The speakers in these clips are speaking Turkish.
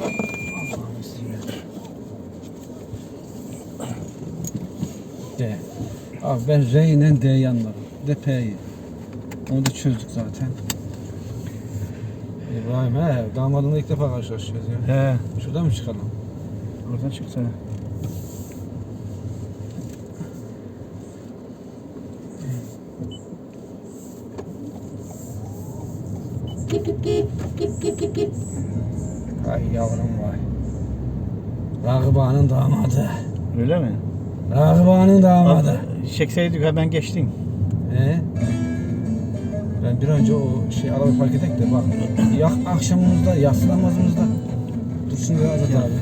D. Abi ben R ile D yanlarım. D P'yi. Onu da çözdük zaten. İbrahim damadınla ilk defa karşılaşacağız ya. He. Şuradan mı çıkalım? Oradan çıksana. Ay yavrum vay. Ragıp Ağa'nın damadı. Öyle mi? Ragıp Ağa'nın damadı. Çekseydik hemen geçtin. Ben bir önce o arabayı park edek de bak. Akşamımızda, yatsı namazımızda. Dur şimdi Azat abi.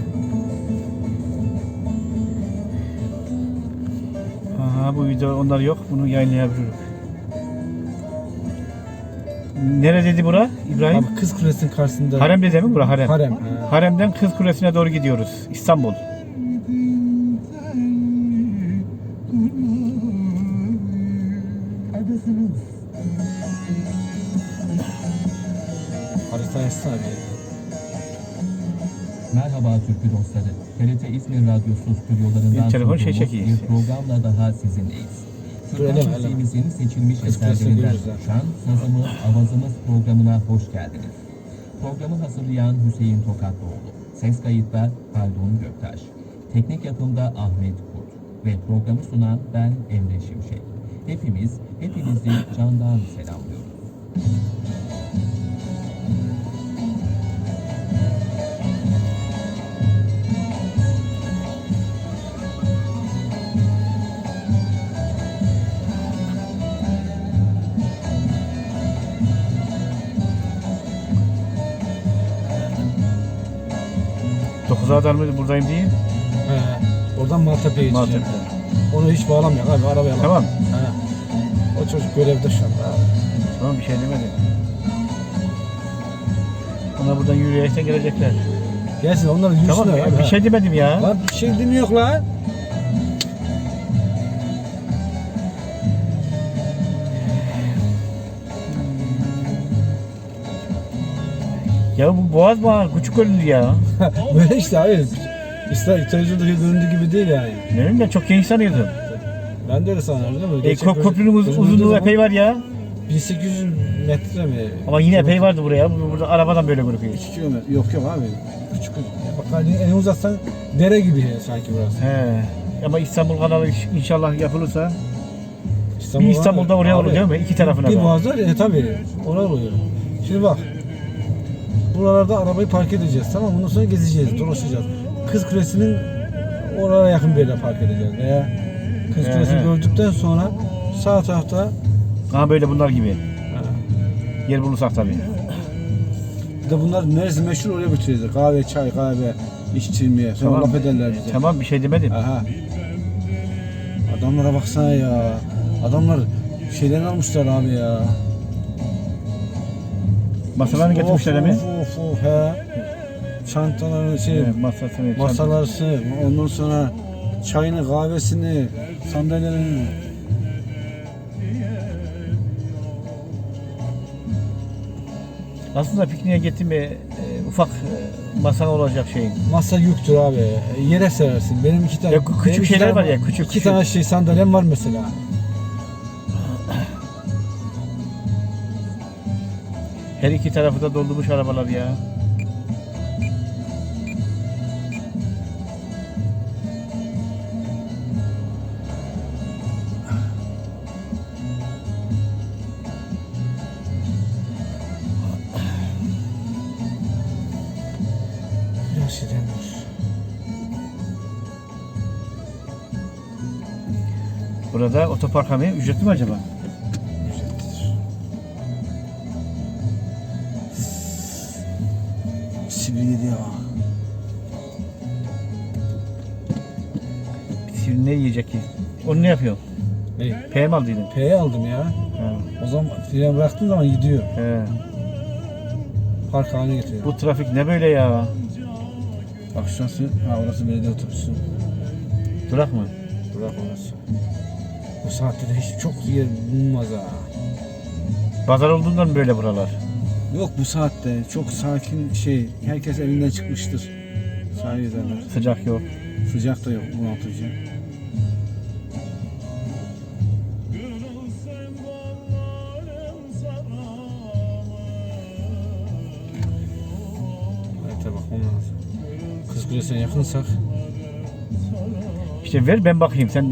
Aha bu video onlar yok. Bunu yayınlayabiliriz. Neredeydi bura İbrahim? Abi Kız Kulesi'nin karşısında. Harem'de değil mi bura? Harem. Harem. Harem'den Kız Kulesi'ne doğru gidiyoruz. İstanbul. Harita yazsana abi. Merhaba Türkü dostları. TRT İzmir Radyosu stüdyolarından Bir telefon şey sunduğumuz çekiyor. bir programla daha sizinleyiz. Öyle mi? Türkçe müziğimizin seçilmiş Kız Kulesi'ni eserlerinden görürüz ha. oluşan Sazımız Avazımız programına hoş geldiniz. Programı hazırlayan Hüseyin Tokatlıoğlu. Ses kayıtlar Haldun Göktaş. Teknik yapımda Ahmet Kurt. Ve programı sunan ben Emre Şimşek. Hepinizi candan selamlıyoruz. Dokuz'a kadar mı buradayım diye? Oradan Maltepe'ye gideceğim. Onu hiç bağlamıyor abi arabaya bak. Tamam. O çocuk görevde şu anda abi. Tamam bir şey demedim. Onlar buradan yürüyerek gelecekler. Gelsin onların yürüsünler Tamam ya, abi. bir şey demedim ya. Lan bir şey demiyor lan. Ya bu boğaz bana küçük göründü ya. Böyle işte abi. İşte televizyondaki göründüğü gibi değil yani. Ne bileyim ben çok genç sanıyordum. Ben de öyle sanıyorum değil mi? Köprünün uzunluğu epey var ya. 1800 metre mi? Ama yine epey vardı buraya. Burada arabadan böyle görünüyor. 2 kilometre. Yok abi. Küçük. Bak hani en uzatsan dere gibi sanki burası. He. Ama İstanbul kanalı inşallah yapılırsa İstanbul bir İstanbul'da oraya abi, olur değil mi? İki tarafına bir da. boğaz var ya tabii. Oraya oluyor. Şimdi bak. Buralarda arabayı park edeceğiz tamam mı? Ondan sonra gezeceğiz, dolaşacağız. Kız Kulesi'nin oraya yakın bir yere park edeceğiz. Veya Kız Kulesi'ni gördükten sonra sağ tarafta Aha böyle bunlar gibi. Yer bulursak tabii. bir de bunlar neresi meşhur oraya götüreceğiz. Kahve, çay, kahve içtirmeye. Sonra Tamam. laf ederler bize. Tamam bir şey demedim. Aha. Adamlara baksana ya. Adamlar şeyden almışlar abi ya. Masalarını getirmişler mi? Of he. Çantalarını Masasını. masalarını, ondan sonra çayını, kahvesini, sandalyelerini. Aslında pikniğe gittim mi ufak masa olacak şey. Masa yüktür abi. Yere serersin. Benim 2 tane. Ya küçük benim iki şeyler tane- var ya, küçük, İki küçük. tane sandalyem var mesela. Her iki tarafı da doldurmuş arabalar ya. Yaş edemir. Burada otopark hamı ücretli mi acaba? Sivri ya. Sivri ne yiyecek ki? Onu ne yapıyor? Ne? PM aldıydın. P'yi aldım ya. Ha. O zaman fren bıraktığın zaman gidiyor. He. Park haline getiriyor. Bu trafik ne böyle ya? Bak şurası, orası belediye otobüsü. Durak mı? Bırak orası. Bu saatte de hiç çok yer bulunmaz ha. Pazar olduğundan böyle buralar. Yok bu saatte çok sakin herkes elinden çıkmıştır. Sahil ederler. Sıcak yok. Sıcak da yok bunaltıcı. Harita bakmam lazım. Kız Kulesi'ne yakınsak İşte ver ben bakayım sen